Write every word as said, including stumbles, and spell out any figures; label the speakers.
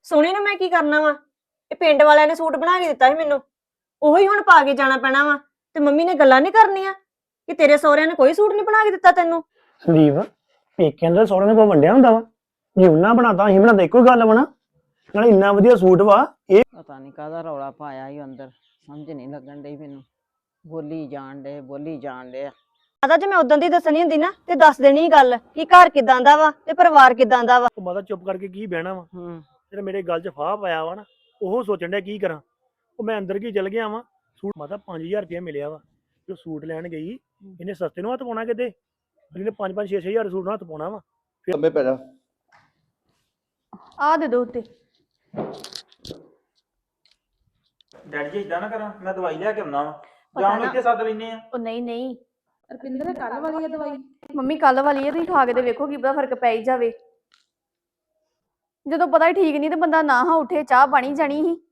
Speaker 1: ਸੋਹਣੀ ਨੂੰ ਮੈਂ ਕੀ ਕਰਨਾ ਵਾ? ਇਹ ਪਿੰਡ ਵਾਲਿਆਂ ਨੇ ਸੂਟ ਬਣਾ ਕੇ ਦਿੱਤਾ ਸੀ ਮੈਨੂੰ, ਉਹੀ ਹੁਣ ਪਾ ਕੇ ਜਾਣਾ ਪੈਣਾ ਵਾ। ਤੇ ਮੰਮੀ ਨੇ ਗੱਲਾਂ ਨਹੀਂ ਕਰਨੀਆਂ ਕਿ ਤੇਰੇ ਸਹੁਰਿਆਂ ਨੇ ਕੋਈ ਸੂਟ ਨਹੀਂ ਬਣਾ ਕੇ ਦਿੱਤਾ ਤੈਨੂੰ?
Speaker 2: ਸੰਦੀਪ ਪੇਕਿਆਂ ਦੇ ਸਹੁਰਿਆਂ ਨੂੰ ਕੋਈ ਵੰਡਿਆ ਹੁੰਦਾ ਵਾ? ਜੇ ਉਹਨਾਂ ਬਣਾਤਾ ਅਸੀਂ ਬਣਾਤਾ ਇੱਕੋ ਗੱਲ ਬਣਾ। ਨਾਲੇ ਇੰਨਾ ਵਧੀਆ ਸੂਟ ਵਾ ਇਹ।
Speaker 3: ਪਤਾ ਨਹੀਂ ਕਾਹਦਾ ਰੌਲਾ ਪਾਇਆ ਹੀ ਅੰਦਰ, ਸਮਝ ਨਹੀਂ ਲੱਗਣ ਡਈ ਮੈਨੂੰ। ਬੋਲੀ ਜਾਣ ਡੇ ਬੋਲੀ ਜਾਣ ਡੇ ਆ।
Speaker 1: ਮਾਤਾ ਜੇ ਮੈਂ ਉਦੋਂ ਦੀ ਦੱਸਣੀ ਹੁੰਦੀ ਨਾ ਤੇ ਦੱਸ ਦੇਣੀ ਗੱਲ ਕਿ ਘਰ ਕਿਦਾਂ ਦਾ ਵਾ ਤੇ ਪਰਿਵਾਰ ਕਿਦਾਂ ਦਾ ਵਾ।
Speaker 2: ਉਹ ਮਾਤਾ ਚੁੱਪ ਕਰਕੇ ਕੀ ਬਹਿਣਾ ਵਾ?
Speaker 3: ਹੂੰ
Speaker 2: ਜਿਹੜਾ ਮੇਰੇ ਗੱਲ 'ਚ ਫਾਹ ਪਾਇਆ ਵਾ ਨਾ, ਉਹ ਸੋਚਣ ਡਿਆ ਕੀ ਕਰਾਂ। ਉਹ ਮੈਂ ਅੰਦਰ ਕੀ ਚਲ ਗਿਆ ਵਾ। ਸੂਟ ਮਾਤਾ ਪੰਜ ਹਜ਼ਾਰ ਰੁਪਇਆ ਮਿਲਿਆ ਵਾ। ਜੋ ਸੂਟ ਲੈਣ ਗਈ ਇਹਨੇ ਸਸਤੇ ਨੂੰ ਹੱਥ ਪਾਉਣਾ ਕਿਤੇ? ਇਹਨੇ ਪੰਜ ਪੰਜ ਛੇ ਛੇ ਹਜ਼ਾਰ ਸੂਟ ਨੂੰ ਹੱਥ ਪਾਉਣਾ ਵਾ।
Speaker 4: ਲੰਮੇ ਪੈ ਜਾ।
Speaker 1: ਆ ਦੇ ਦੋ ਉੱਤੇ।
Speaker 5: ਡੈਡੀ ਜੀ ਇਦਾਂ ਨਾ ਕਰਾਂ, ਮੈਂ ਦਵਾਈ ਲਿਆ ਕੇ ਆਉਣਾ ਵਾ ਜਾਂ ਹੁਣ ਇੱਥੇ ਸੱਦ ਲੈਨੇ ਆ।
Speaker 6: ਉਹ ਨਹੀਂ ਨਹੀਂ
Speaker 7: ਰਪਿੰਦਰ ਕੱਲ ਵਾਲੀ ਆ ਦਵਾਈ?
Speaker 6: ਮੰਮੀ ਕੱਲ ਵਾਲੀ ਹੈ, ਤੁਸੀਂ ਖਾ ਕੇ ਤੇ ਵੇਖੋ ਕੀ ਪਤਾ ਫਰਕ ਪੈ ਹੀ ਜਾਵੇ। ਜਦੋਂ ਪਤਾ ਹੀ ਠੀਕ ਨਹੀਂ ਤੇ ਬੰਦਾ ਨਾ ਹਾਂ ਉੱਠੇ, ਚਾਹ ਬਣੀ ਜਾਣੀ ਸੀ।